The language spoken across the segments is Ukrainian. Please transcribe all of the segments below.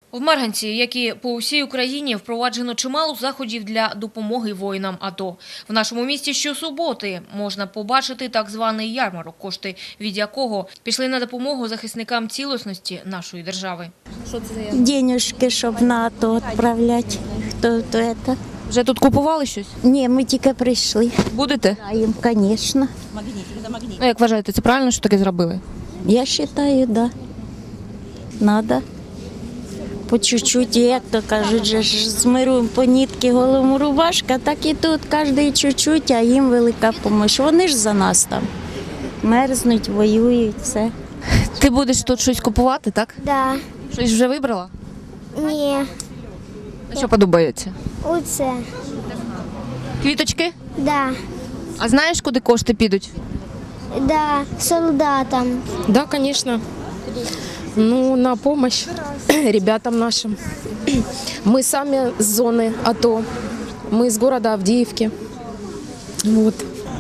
В Марганці, як і по всій Україні, впроваджено чимало заходів для допомоги воїнам АТО. В нашому місті щосуботи можна побачити так званий ярмарок, кошти від якого пішли на допомогу захисникам цілісності нашої держави. Що це за ярмарок? Денежки, щоб на АТО відправляти. Хто це? Вже тут купували щось? Ні, ми тільки прийшли. Будете? Даємо, звісно. Ну, як вважаєте, це правильно, що таке зробили? Я вважаю, так. Да. Надо. По чуть-чуть, як то кажуть, же ж з миру по нитки голому рубашка, так і тут кожен чуть-чуть, а їм велика допомога. Вони ж за нас там мерзнуть, воюють, все. Ти будеш тут щось купувати, так? Да. Щось вже вибрала? Ні. Що подобається? Оце. Квіточки? Да. А знаєш, куди кошти підуть? Да. Солдатам. Да, конечно. Ну, на помощь ребятам нашим. Мы сами с зоны АТО. Мы из города Авдеевки. Вот.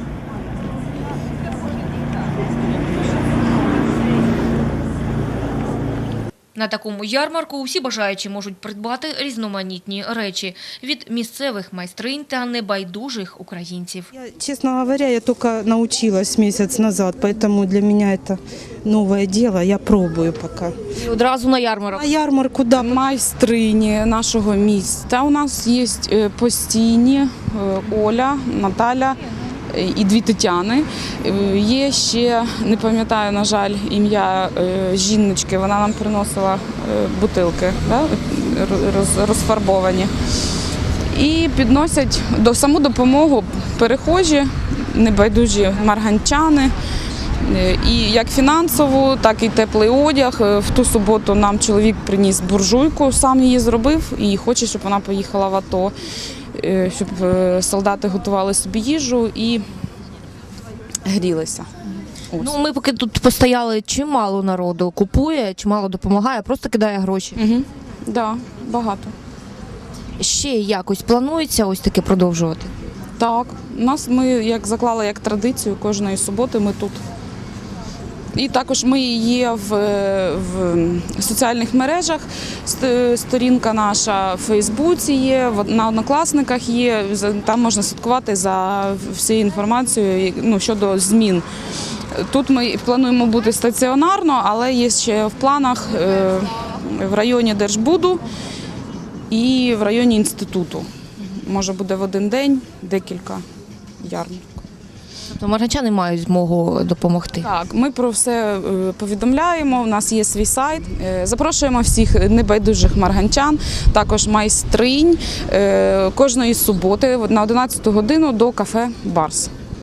На такому ярмарку усі бажаючі можуть придбати різноманітні речі від місцевих майстринь та небайдужих українців. Честно говоря, я только научилась месяц назад, поэтому для меня это новое дело, я пробую пока. І одразу на ярмарок. На ярмарку, да. Майстрині нашого міста у нас є постійні Оля, Наталя і дві Тетяни. Є ще, не пам'ятаю, на жаль, ім'я жіночки, вона нам приносила бутилки, да, розфарбовані. І підносять саму допомогу перехожі, небайдужі марганчани. І як фінансову, так і теплий одяг. В ту суботу нам чоловік приніс буржуйку, сам її зробив і хоче, щоб вона поїхала в АТО, щоб солдати готували собі їжу і грілися. Ну, ми поки тут постояли, чимало народу купує, чимало допомагає, просто кидає гроші. Угу. Да, багато. Ще якось планується ось таке продовжувати? Так, ми як заклали як традицію кожної суботи, ми тут. І також ми є в соціальних мережах, сторінка наша в Фейсбуці є, на Однокласниках є, там можна слідкувати за всією інформацією, ну, щодо змін. Тут ми плануємо бути стаціонарно, але є ще в планах в районі Держбуду і в районі інституту. Може буде в один день декілька ярмарок. Тобто марганчани мають змогу допомогти? Так, ми про все повідомляємо, у нас є свій сайт. Запрошуємо всіх небайдужих марганчан, також майстринь кожної суботи на 11 годину до кафе «Барс».